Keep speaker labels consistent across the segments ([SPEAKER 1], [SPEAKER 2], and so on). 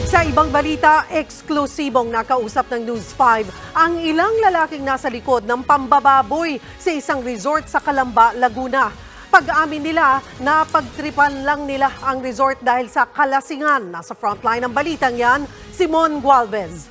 [SPEAKER 1] Sa ibang balita, eksklusibong nakausap ng News 5 ang ilang lalaking nasa likod ng pambababoy sa isang resort sa Calamba, Laguna. Pag-amin nila, napagtripan lang nila ang resort dahil sa kalasingan. Nasa frontline ng balitang yan, Simon Gualvez.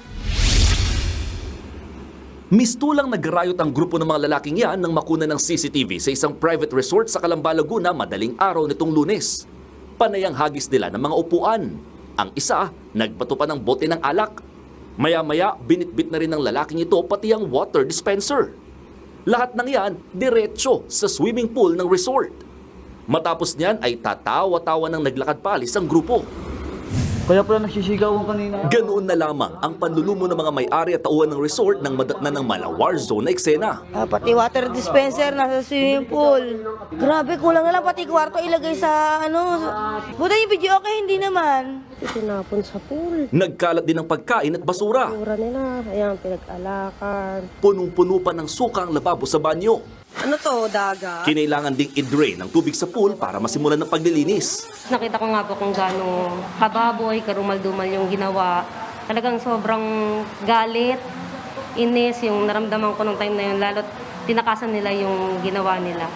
[SPEAKER 2] Mistulang nagrayot ang grupo ng mga lalaking yan nang makuna ng CCTV sa isang private resort sa Calamba, Laguna madaling araw nitong Lunes. Panayang hagis nila ng mga upuan. Ang isa, nagbato pa ng bote ng alak. Maya-maya, binitbit na rin ng lalaking ito pati ang water dispenser. Lahat ng yan, diretso sa swimming pool ng resort. Matapos niyan ay tatawa-tawa ng naglakad palis ang grupo.
[SPEAKER 3] Kaya pala nagsisigawan kanina.
[SPEAKER 2] Ganoon na lamang ang panlulumo ng mga may-ari at tauhan ng resort nang madatna ng malawar zone na eksena.
[SPEAKER 4] Pati water dispenser nasa swimming pool. Grabe, kulang na lang pati kwarto ilagay sa Buta yung video okay, hindi naman.
[SPEAKER 5] Tinapon sa pool.
[SPEAKER 2] Nagkalat din ng pagkain at basura.
[SPEAKER 5] Mura nila, ayan, pinag-alakan.
[SPEAKER 2] Punong-puno pa ng suka ang lababo sa banyo.
[SPEAKER 4] Ano to, daga?
[SPEAKER 2] Kinailangan ding i-drain ang tubig sa pool para masimulan ng paglilinis.
[SPEAKER 6] Nakita ko nga po kung gaano kababoy, karumal-dumal yung ginawa. Talagang sobrang galit, inis yung naramdaman ko nung time na yun. Lalo't tinakasan nila yung ginawa nila.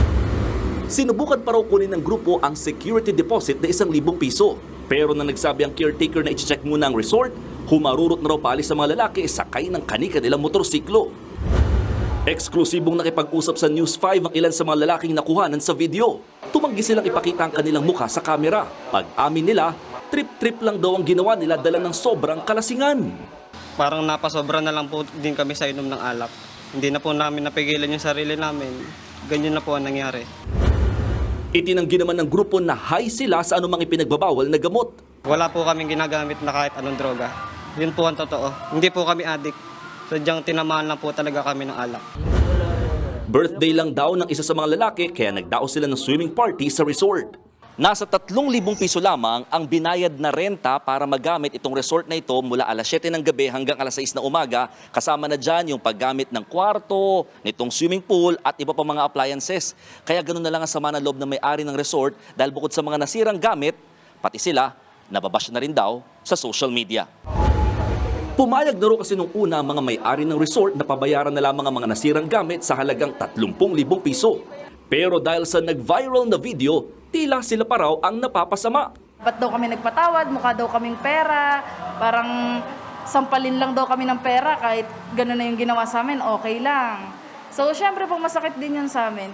[SPEAKER 2] Sinubukan pa raw kunin ng grupo ang security deposit na 1,000 piso. Pero nang nagsabi ang caretaker na i-check muna ang resort, humarurot na raw paalis sa mga lalaki sakay ng kanika nilang motorsiklo. Eksklusibong nakipag-usap sa News 5 ang ilan sa mga lalaking nakuhanan sa video. Tumanggi silang ipakita ang kanilang mukha sa kamera. Pag-amin nila, trip-trip lang daw ang ginawa nila dala ng sobrang kalasingan.
[SPEAKER 7] Parang napasobra na lang po din kami sa inom ng alak. Hindi na po namin napigilan yung sarili namin. Ganyan na po ang nangyari.
[SPEAKER 2] Itinanggi naman ng grupo na high sila sa anumang ipinagbabawal na gamot.
[SPEAKER 7] Wala po kaming ginagamit na kahit anong droga. Yun po ang totoo. Hindi po kami addict. Sadyang tinamaan lang po talaga kami ng alak.
[SPEAKER 2] Birthday lang daw ng isa sa mga lalaki kaya nagdao sila ng swimming party sa resort. Nasa 3,000 piso lamang ang binayad na renta para magamit itong resort na ito mula alas 7 ng gabi hanggang alas 6 na umaga. Kasama na dyan yung paggamit ng kwarto, nitong swimming pool at iba pa mga appliances. Kaya ganun na lang ang sama ng loob ng may-ari ng resort dahil bukod sa mga nasirang gamit, pati sila nababash na rin daw sa social media. Pumayag na rin kasi nung una ang mga may-ari ng resort na pabayaran na lamang ang mga nasirang gamit sa halagang 30,000 piso. Pero dahil sa nag-viral na video, tila sila pa raw ang napapasama.
[SPEAKER 8] Ba't daw kami nagpatawad, mukha daw kaming pera, parang sampalin lang daw kami ng pera kahit gano'n na yung ginawa sa amin, okay lang. So syempre po masakit din yun sa amin.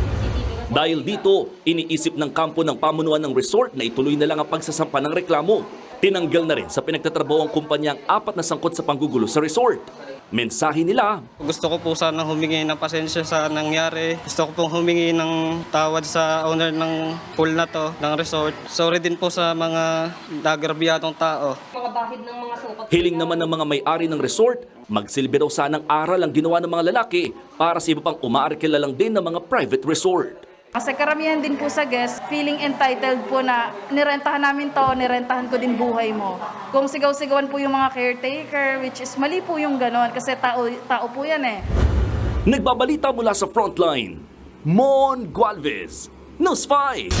[SPEAKER 2] Dahil dito, iniisip ng kampo ng pamunuan ng resort na ituloy na lang ang pagsasampa ng reklamo. Tinanggal na rin sa pinagtatrabaho ang kumpanya ang 4 na sangkot sa panggugulo sa resort. Mensahe nila,
[SPEAKER 7] Gusto ko po sana humingi ng pasensya sa nangyari. Gusto ko pong humingi ng tawad sa owner ng pool na to, ng resort. Sorry din po sa mga nagrabyadong tao.
[SPEAKER 2] hiling naman ng mga may-ari ng resort, magsilbi daw sanang aral ang ginawa ng mga lalaki para sa iba pang umaarkila lang din ng mga private resort.
[SPEAKER 8] Kasi karamihan din po sa guest, feeling entitled po na nirentahan namin to, nirentahan ko din buhay mo. Kung sigaw-sigawan po yung mga caretaker, which is mali po yung ganon kasi tao po yan eh.
[SPEAKER 2] Nagbabalita mula sa frontline, Mon Gualvez, News 5.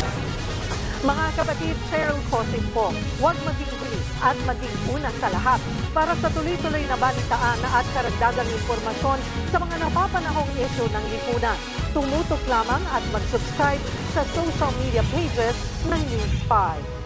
[SPEAKER 1] Mga kapatid, Cheryl Cosing po, huwag maging bilis at maging una sa lahat para sa tuloy-tuloy na balitaan at karagdagang impormasyon sa mga napapanahong issue ng lipunan. Tumutok lamang at mag-subscribe sa social media pages ng News 5.